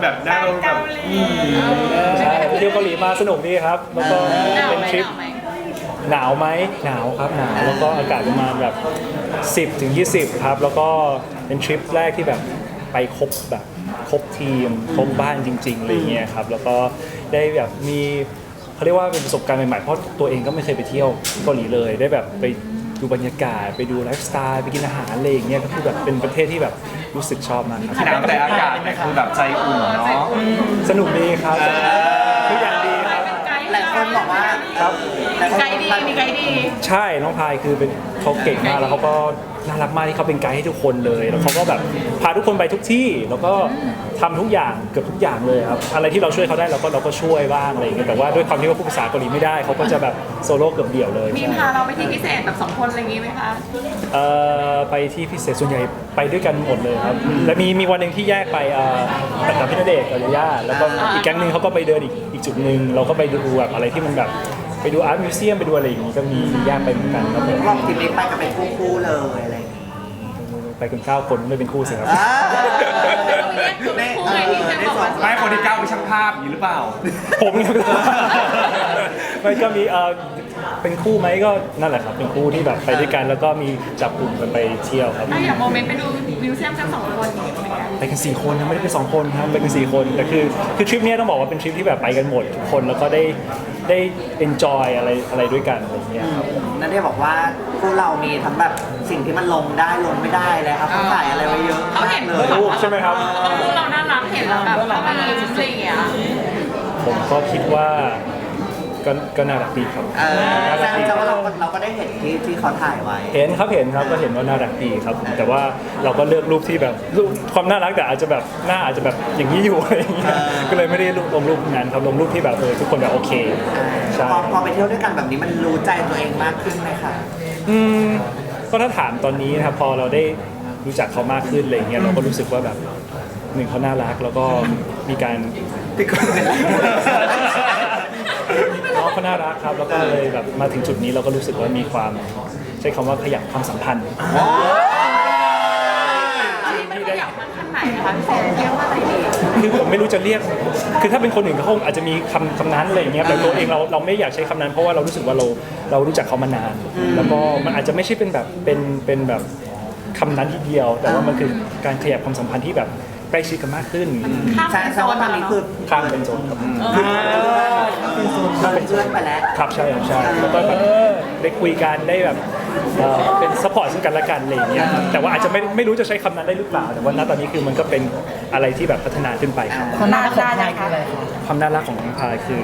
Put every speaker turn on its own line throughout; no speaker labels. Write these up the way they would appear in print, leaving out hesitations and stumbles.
แบบได้แบบ
ใช่ไปเที่ยวเกาหลีมาสนุกดีครับแล้วก็เป็นทริปหนาวไหมหนาวครับหนาวแล้วก็อากาศประมาณแบบ10 ถึง 20ครับแล้วก็เป็นทริปแรกที่แบบไปครบแบบครบทีมครบบ้านจริงๆอะไรเงี้ยครับแล้วก็ได้แบบมีเขาเรียกว่าเป็นประสบการณ์ใหม่ๆเพราะตัวเองก็ไม่เคยไปเที่ยวเกาหลีเลยได้แบบไปดูบรรยากาศไปดูไลฟ์สไตล์ไปกินอาหารอะไรอย่างเงี้ยก็คือแบบเป็นประเทศที่แบบรู้สึกชอบมากครับ
หนาวแต่อากาศเนี่ยคือแบบใจอุ่นเนาะ
สนุกดีครับทุกอย่างดีครับ
หลายคนบอกว่า
ครับ
ไกด์ดีมีไกด์ดี
ใช่น้องพายคือเป็นเขาเก่งมากแล้วเขาก็น่ารักมากที่เขาเป็นไกด์ให้ทุกคนเลยแล้วเขาก็แบบพาทุกคนไปทุกที่แล้วก็ทำทุกอย่างเกือบทุกอย่างเลยครับอะไรที่เราช่วยเขาได้เราก็ช่วยบ้างอะไรอย่างเงี้ยแต่ว่าด้วยความที่ว่าพูดภาษาเกาหลีไม่ได้เขาก็จะแบบโซโล่เกือบเดี่ยวเลย
มีพาเราไปที่พิเศษแบบ2 คนอะไรอย่างงี้ไหมคะ
ไปที่พิเศษส่วนใหญ่ไปด้วยกันหมดเลยครับและมีวันหนึ่งที่แยกไปกับพี่ณเดชน์กับยาย่าแล้วก็อีกแก๊งหนึงเขาก็ไปเดินอีกจุดหนึ่งเราก็ไปดูแบบอะไรที่มันแบบไปดูอาร์ตมิวเซียมไปดูอะไรอย่างงี้ก็มีแยกไปเหมือนกันครับผม
รอบทีนี้ไปกันเป็นคู่ๆเลยอะไรอย่างงี้
ไปกัน9 คนไม่เป็นคู่สิครับ
ไม่คนที่9เป็นช่างภาพอย่างนี้หรือเปล่า
ผมเนี่ยมันก็มีเป็นคู่ไหมก็นั่นแหละครับเป็นคู่ที่แบบไปด้วยกันแล้วก็มีจับกลุ่มกันไปเที่ยวครับ
ถ้าอย่างโมเมนต์ไปดูมิวเซียมกัน2 คนอย่างเงี้ยเป็นไง
ไปกัน4 คนนะไม่ได้ไป2 คนครับไปกัน4 คนแต่คือทริปนี้ต้องบอกว่าเป็นทริปที่แบบไปกันหมดทุกคนแล้วก็ได้ enjoy อะไรด้วยกันอะไรอย่างเงี้ยครับ
นั่นได้บอกว่าพวกเรามีทั้งแบบสิ่งที่มันลงได้ลงไม่ได้เลยครับเขาถ่ายอะไรไว้เยอะ
เขา
มา
เห็
ก
น
เลย
รูปใช่ไหมครับ
พวกเราน่ารักเห็นแล้วแบบเราไม่ยิ้มอะไรอย่างเงี้ย
ผมก็คิดว่าก็น่ารักดีครับ
แสดงว่าเราก็ได้เห็นที่เขาถ่ายไว้
เห็นครับก็เห็นว่าน่ารักดีครับแต่ว่าเราก็เลือกรูปที่แบบรูปความน่ารักแต่อาจจะแบบหน้าอาจจะแบบอย่างนี้อยู่อะไรอย่างเงี้ยก็เลยไม่ได้ลงรูปนั้นครับลงรูปที่แบบทุกคนแบบโอเคใช่
พอไปเที่ยวด้วยกันแบบนี้มันรู้ใจตัวเองมากขึ้นไหมคะ
ก็ถ้าถามตอนนี้นะครับพอเราได้รู้จักเขามากขึ้นอะไรเงี้ยเราก็รู้สึกว่าแบบหนึ่งเขาน่ารักแล้วก็มีการน้องเขาน่ารักครับแล้วก็เลยแบบมาถึงจุดนี้เราก็รู้สึกว่ามีความใช้คำว่าขยับความสัมพันธ์
มันขยับมันขั้นไหนนะคะพี่แซมเรียกว่าอะไรดี
คือผมไม่รู้จะเรียกคือถ้าเป็นคนอื่นเขาคงอาจจะมีคำนั้นอะไรอย่างเงี้ยแต่ตัวเองเราไม่อยากใช้คำนั้นเพราะว่าเรารู้สึกว่าเรารู้จักเขามานาน แล้วก็มันอาจจะไม่ใช่เป็นแบบเป็นแบบคำนั้นทีเดียว แต่ว่ามันคือการขยับความสัมพันธ์ที่แบบใกล้ชิดกันมากขึ้น
ข้าม
แสดงว่าตอนนี้คือ
ข้ามเป็นโซนครับ
เราเป็นเพื่อนไปแล้ว
ครับใช่ครับใช่แล้วก็แบบได้คุยกันได้แบบเป็นซัพพอร์ตซึ่งกันและกันอะไรอย่างเงี้ยครับแต่ว่าอาจจะไม่รู้จะใช้คำนั้นได้หรือเปล่าแต่ว่าณตอนนี้คือมันก็เป็นอะไรที่แบบพัฒนาขึ้นไปครับ
ความน่ารักของพายคืออะไรคะ
ความน่ารักของน้องพายคือ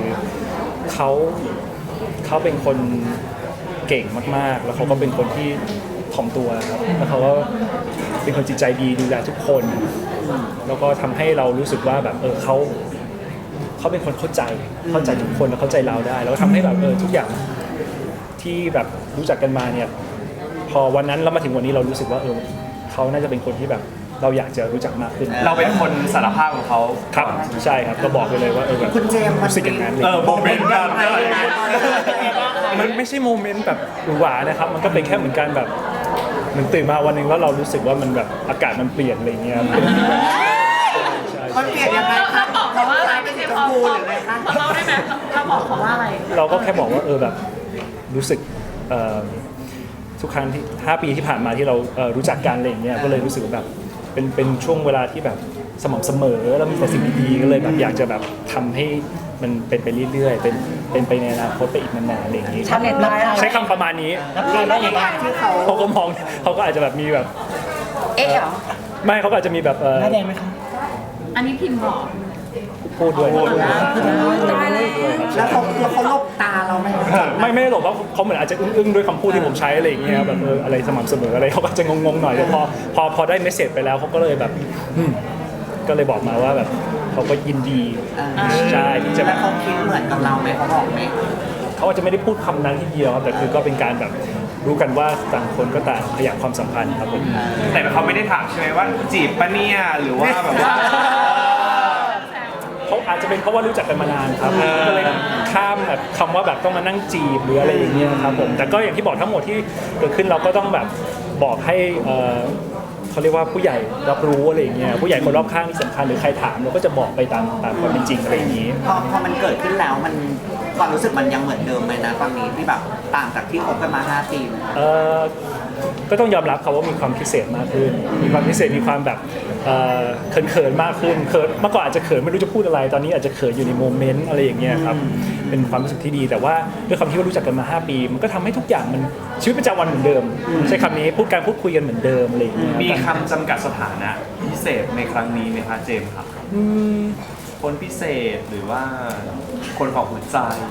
เขาเป็นคนเก่งมากๆ แล้วเขาก็เป็นคนที่ถ่อมตัวครับแล้วเขาก็เป็นคนจิตใจดีดูแลทุกคน แล้วก็ทำให้เรารู้สึกว่าแบบเขาเป็นคนเข้าใจทุกคนแล้วเข้าใจเราได้ แล้วก็ทำให้แบบทุกอย่างที่แบบรู้จักกันมาเนี่ยพอวันนั้นเรามาถึงวันนี้เรารู้สึกว่าเขาน่าจะเป็นคนที่แบบเราอยากจะรู้จักมากขึ้น
เราเป็นคนสารภาพของเขา
ครับใช่ครับก็บอกไปเลยว่าแบบ
คุณเจมส์
รู้สึกอย่างนั้นเลย
โมเมนต์แบบ
มันไม่ใช่โมเมนต์แบบหวือหวานะครับ มันก็เป็นแค่เหมือนกันแบบเหมือนตื่นมาวันหนึ่งแล้วเรารู้สึกว่ามันแบบอากาศมันเปลี่ยนอะไรเงี้ย
มันเปลี่ยนยังไงคะ
เราบอกเขาว่าอะไรไม่ใช่
ช
พ
ม
อ
พูหรืออะไรคะ
เราได้ไหมเราบอกเขาว่าอะไร
เราก็แค่บอกว่าแบบรู้สึกทุกครั้งที่5 ปีที่ผ่านมาที่เรารู้จักกันอะไรอย่างเงี้ยก็เลยรู้สึกว่าแบบเป็นช่วงเวลาที่แบบสม่ำเสมอแล้วมีแต่สิ่งดีๆก็เลยแบบอยากจะแบบทำให้มันเป็นไปเรื่อยๆเป็นไปในอนาคตไปอีกนานๆอะไรอย่างงี้
ชาวเน็ตมา
ใช้คำประมาณนี้
ได้ยังไง
ที่เขา
เขาก็มองเขาก็อาจจะแบบมีแบบ
เอ๊ะเหรอ
ไม่เขาก็อาจจะมีแบบ
หน้าแดงไหมคะ
อันนี้พิมพ์บอก
พูดด้วย
ตายแล้ว
แล้วเขาลบตาเราไหม
ไม่ได้หรอกว่าเขาเหมือนอาจจะอึ้งๆด้วยคำพูดที่ผมใช้อะไรอย่างเงี้ยแบบอะไรสม่ำเสมออะไรเขาก็จะงงๆหน่อยแต่พอได้เมสเซจไปแล้วเขาก็เลยแบบก็เลยบอกมาว่าแบบเขาก็ยินดีใช่ที่จะแบ
แล้ว
บ
เขาคิดเหมือนกับเราไหมเขาบอกไหม
เขาอาจจะไม่ได้พูดคำนั้นทีเดียวครับแต่คือก็เป็นการแบบรู้กันว่าต่างคนก็ต่างขยับความสัมพันธ์ครับผม
แต่เขาไม่ได้ถามใช่ไหมว่าจีบปะเนี่ยหรือว่าแบบว่า
เขาอาจจะเป็นเพราะว่ารู้จักกันมานานครับก็เลยข้ามแบบคำว่าแบบต้องมานั่งจีบหรืออะไรอย่างเงี้ยครับผมแต่ก็อย่างที่บอกทั้งหมดที่เกิดขึ้นเราก็ต้องแบบบอกให้เขาเรียกว่าผู้ใหญ่รับรู้อะไรอย่างเงี้ยผู้ใหญ่คนรอบข้างที่สำคัญำคัญหรือใครถามเราก็จะบอกไปตามความเป็นจริงอะไรอย่างนี้
พอมันเกิดขึ้นแล้วมันความรู้สึกมันยังเหมือนเดิมไหมนะตอนนี้ที่แบบต่างจากที่คบกันมา5 ปี
ก็ต้องยอมรับครับว่ามีความพิเศษมากขึ้น มีความพิเศษมีความแบบเขินๆมากขึ้นเขินเมื่อก่อนอาจจะเขินไม่รู้จะพูดอะไรตอนนี้อาจจะเขินอยู่ในโมเมนต์อะไรอย่างเงี้ยครับเป็นความรู้สึกที่ดีแต่ว่าด้วยความที่ว่ารู้จักกันมา5 ปีมันก็ทำให้ทุกอย่างมันชีวิตประจำวันเหมือนเดิมใช้คำนี้พูดคุยกันเหมือนเดิมอะไรอย่างเงี้ย
มีคำจำกัดสถานะพิเศษในครั้งนี้ไหมคะเจมส์ครับคนพิเศษหรือว่าคนของหัวใจ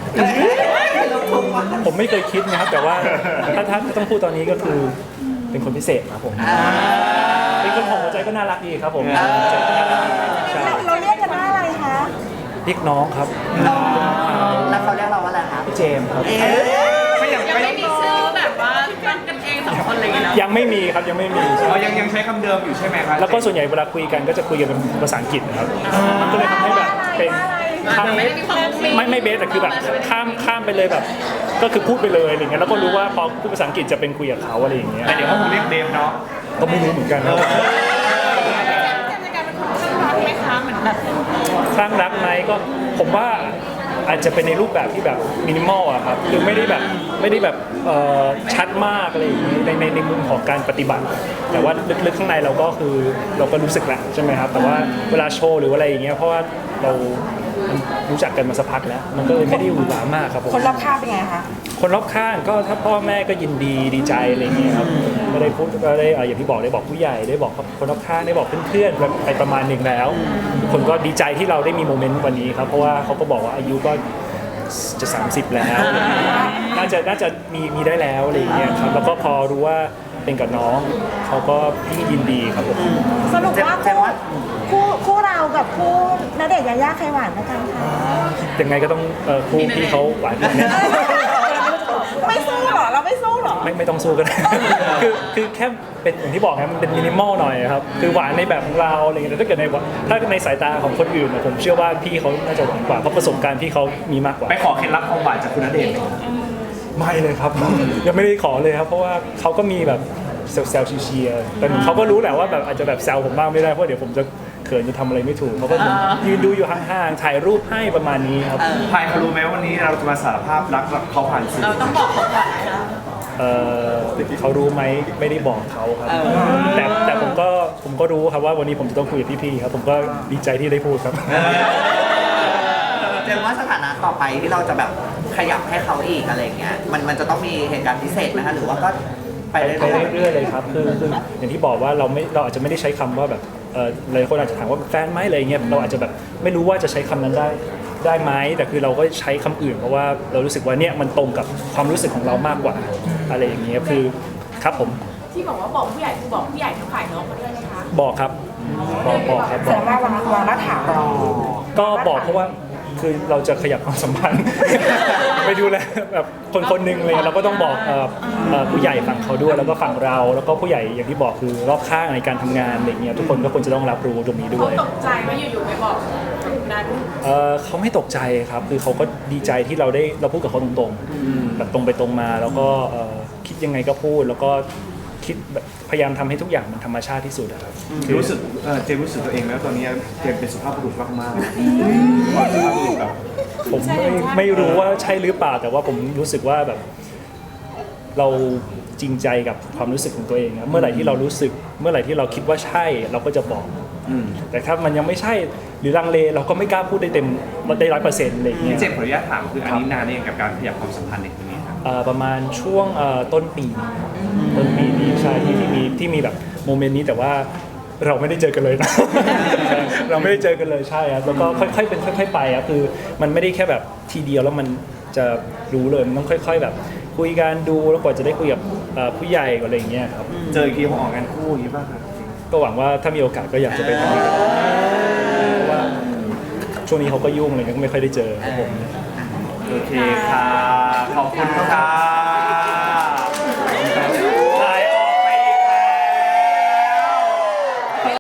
ผมไม่เคยคิดนะครับแต่ว่าถ้าต้องพูดตอนนี้ก็คือเป็นคนพิเศษครับผมเป็นคนของหัวใจก็น่ารักดีครับผมหัวใจก็น่ารักดีใช่
เราเรียกกันว่าอะไรคะ
เรียกน้องครับ
แล้วเขาเรียกเราว่าอะไรครับ
พี่เจมส์ครับ
ไม่อย่าง
ยัง
ไม่
ไม่มีชื่อแบบว่าตั้งกันเอง2 คนอะไรอย่างเงี้ยเนาะ
ยังไม่มีครับยังไม่มี
เรายังใช้คำเดิมอยู่ใช่ไหมครับ
แล้วก็ส่วนใหญ่เวลาคุยกันก็จะคุยกันเป็นภาษาอังกฤษนะครับมันก็เลยทำให้แบบเป็นข้าม
ไม่ได้มีความมุ้งมิ้ง
ไม่เบสแต่คือแบบข้ามไปเลยแบบ ก็คือพูดไปเลยอะไรเงี้ยแล้วก็รู้ว่าพอพูดภาษาอังกฤษจะเป็นคุยกับเขาอะไรอย่างเงี้ย
แต่เดี๋ยวเขาคงเรียกเดฟเนาะ
ก็ไม่รู้เหมือนกันนะ
เจมส์ในการเป็นคนข้างรักไหมคะเหมือนแบบ
คลั่งรักไหมก็ผมว่าอาจจะเป็นในรูปแบบที่แบบมินิมอลอะครับคือไม่ได้แบบชัดมากอะไรอย่างนี้ในมุมของการปฏิบัติ แต่ว่าลึกๆข้างในเราก็คือเราก็รู้สึกแหละใช่ไหมครับแต่ว่าเวลาโชว์หรืออะไรอย่างเงี้ยเพราะว่าเรารู้จักกันมาสักพักแล้ว มันก็เลยไม่ได้หวือหวามากครับผม
คนรอบข้างเป็นไงคะ
คนรอบข้างก็ถ้าพ่อแม่ก็ยินดีใจอะไรอย่างเงี้ยครับก็ได้พูดก็ได้อย่างที่บอกได้บอกผู้ใหญ่ได้บอกคนรอบข้างได้บอกเพื่อนๆไปประมาณหนึ่งแล้วทุกคนก็ดีใจที่เราได้มีโมเมนต์วันนี้ครับเพราะว่าเขาก็บอกว่าอายุก็จะ30แล้วน่าจะมีได้แล้วอะไรอย่างเงี้ยครับแล้วก็พอรู้ว่าเป็นกับน้องเขาก็ยิ่งยินดีครับผม
สรุปว่าคู่เรากับคู่ณเดชน์ยายาใครหวานกันคะ
ยังไงก็ต้องคู่พี่เขาหวานกันแน่
ไม่สู้หรอเราไม่สู้หรอ
ไม่ต้องสู้กัน คือแค่เป็นอย่างที่บอกครับมันเป็นมินิมอลหน่อยครับคือหวานในแบบของเราอะไรเงี้ยแต่ถ้าเกิดในสายตาของคนอื่นผมเชื่อว่าพี่เขาน่าจะหวานกว่าเพราะประสบการณ์พี่เขามีมากกว่า
ไปขอเคล็ดลับความหวานจากคุณณเดชน์ไหม
ไม่เลยครับ ยังไม่ได้ขอเลยครับเพราะว่าเขาก็มีแบบแซวๆเชียร์ๆแต่เขาก็รู้แหละว่าแบบอาจจะแบบแซวผมบ้างไม่ได้เพราะเดี๋ยวผมจะเขินจะทำอะไรไม่ถูกเขาก็ยืนดูอยู่ห่างๆถ่ายรูปให้ประมาณนี้ครับ
พายเขารู้ไหมวันนี้เราจะมาสารภาพรักเขาผ่านสื่อ
เราต้องบอกเขาก่อนนะคะ
เขารู้ไหมไม่ได้บอกเขาครับแต่ผมก็รู้ครับว่าวันนี้ผมจะต้องคุยกับพี่ๆครับผมก็ดีใจที่ได้พูดครับ
เจมส์ว่าสถานะต่อไปที่เราจะแบบขยับให้เขาอีกอะไรเงี้ยมันจะต้องมีเหตุการณ์พิเศษไหมคะหรือว่าก็ไปเรื่อย
เรื่อยๆเลยครับคืออย่างที่บอกว่าเราอาจจะไม่ได้ใช้คำว่าแบบหลายคนอาจจะถามว่าแฟนไหมอะไรเงี้ยเราอาจจะแบบไม่รู้ว่าจะใช้คำนั้นได้ไหมแต่คือเราก็ใช้คำอื่นเพราะว่าเรารู้สึกว่าเนี่ยมันตรงกับความรู้สึกของเรามากกว่าอะไรอย่างเงี้ยคือครับผม
ที่บอกว่าบอกผู้ใหญ่คือบอกผู้ใหญ่ทั้งฝ่ายน้องมาด้วยไหมคะ
บอกครับบอกครับ
แสดงว่าวางรากฐาน
ก็บอกเพราะว่าคือเราจะขยับความสัมพันธ์ ไปดูแลแบบคนหนึ่งเลยเราก็ต้องบอกผู้ใหญ่ฝั่งเขาด้วยแล้วก็ฝั่งเราแล้วก็ผู้ใหญ่อย่างที่บอกคือรอบข้างในการทำงานอะไรเงี้ยทุกคนก็ควรจะต้องรับรู้ตรงนี้ด้
เขา
วย
ตกใจว่าอยู่ๆไปบอกนั้น
เขาไม่ตกใจครับคือเขาก็ดีใจที่เราพูดกับเขาตรงๆแบบตรงไปตรงมาแล้วก็คิดยังไงก็พูดแล้วก็คิดแบบพยายามทำให้ทุกอย่างมันธรรมชาติที่สุดอะครับ
รู้สึกเจมส์รู้สึกตัวเองแล้วตอนนี้เจมส์เป็นสุภาพบุรุษมากๆสุภาพบุรุษแบบ
ผมไม่รู้ว่าใช่หรือเปล่าแต่ว่าผมรู้สึกว่าแบบเราจริงใจกับความรู้สึกของตัวเองครับเมื่อไหร่ที่เรารู้สึกเมื่อไหร่ที่เราคิดว่าใช่เราก็จะบอกแต่ถ้ามันยังไม่ใช่หรือลังเลเราก็ไม่กล้าพูดได้เต็มได้100%อะไรอย่างเงี้ย
เจมส์ขออนุญาตถามคืออันนี้นานเองกับการขยับความสัมพันธ์ในตรงนี้ครับ
ประมาณช่วงต้นปีนี้ใช่ที่มีแบบโมเมนต์นี้แต่ว่าเราไม่ได้เจอกันเลยนะ เราไม่ได้เจอกันเลยใช่ครับแล้วก็ค่อยๆเป็นค่อยๆไปครับคือมันไม่ได้แค่แบบทีเดียวแล้วมันจะรู้เลยมันต้องค่อยๆแบบคุยกันดูแล้วกว่าจะได้คุยกับผู้ใหญ่อะไรอย่างเงี้ยครับ
เจออีกทีเขาออกงานคู่อย่างนี้ป่ะครับ
ก็หวังว่าถ้ามีโอกาสก็อยากจะไปทำงานเพราะว่าช่วงนี้เขาก็ยุ่งเลยก็ไม่ค่อยได้เจอครับผม
โอเคค่ะขอบคุณครับ